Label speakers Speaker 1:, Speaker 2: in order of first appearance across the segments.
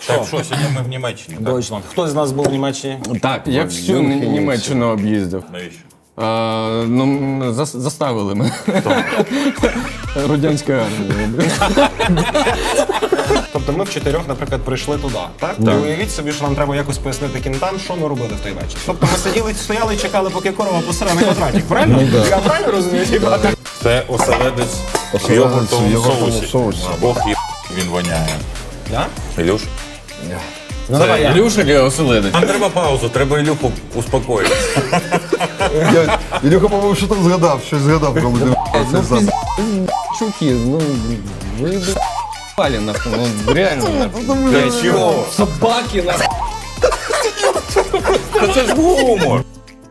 Speaker 1: Так, що, сьогодні ми в Німеччині, так?
Speaker 2: Дойчланд. Хто з нас був в Німеччині?
Speaker 3: Так, я всю Німеччину об'їздив.
Speaker 1: Навіщо?
Speaker 3: Заставили мене. Радянська армія.
Speaker 2: Тобто ми в чотирьох, наприклад, прийшли туди, так? І уявіть собі, що нам треба якось пояснити кінтам, що ми робили в той вечір. Тобто ми стояли і чекали, поки корова посере на квадратик, правильно? Я правильно розумію?
Speaker 1: Це оселедець в йогуртовому соусі. Бог є, він воняє.
Speaker 2: Да?
Speaker 1: Ілюш?
Speaker 2: Ну давай я.
Speaker 3: Ілюша чи оселедець?
Speaker 1: Нам треба паузу, треба Ілюху успокоїти.
Speaker 4: Ілюха, по-моєму, що там згадав, щось згадав, коли ти
Speaker 3: Чуки, ну ви пали нахуй, ну реально нахуй.
Speaker 1: Для чого?
Speaker 3: Собаки нахуй.
Speaker 1: Це ж гумор.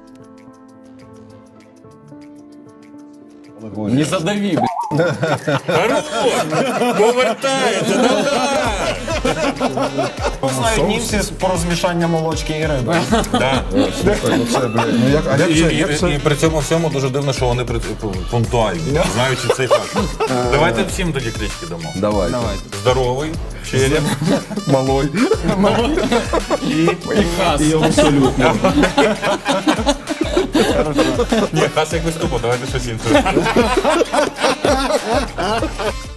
Speaker 3: Не задави, блядь.
Speaker 1: Хорош! Повертається, давай!
Speaker 2: Знають німці про змішання молочки і риби.
Speaker 1: Да.
Speaker 4: Ну як це?
Speaker 1: І при цьому всьому дуже дивно, що вони пунктуальні, знаючи цей факт. Давайте всім тоді клички дамо.
Speaker 4: Давай.
Speaker 1: Здоровий, череп,
Speaker 4: Малой.
Speaker 1: і
Speaker 3: Хас.
Speaker 2: Абсолютно.
Speaker 1: ні, хас якось тупо, давайте щось інше.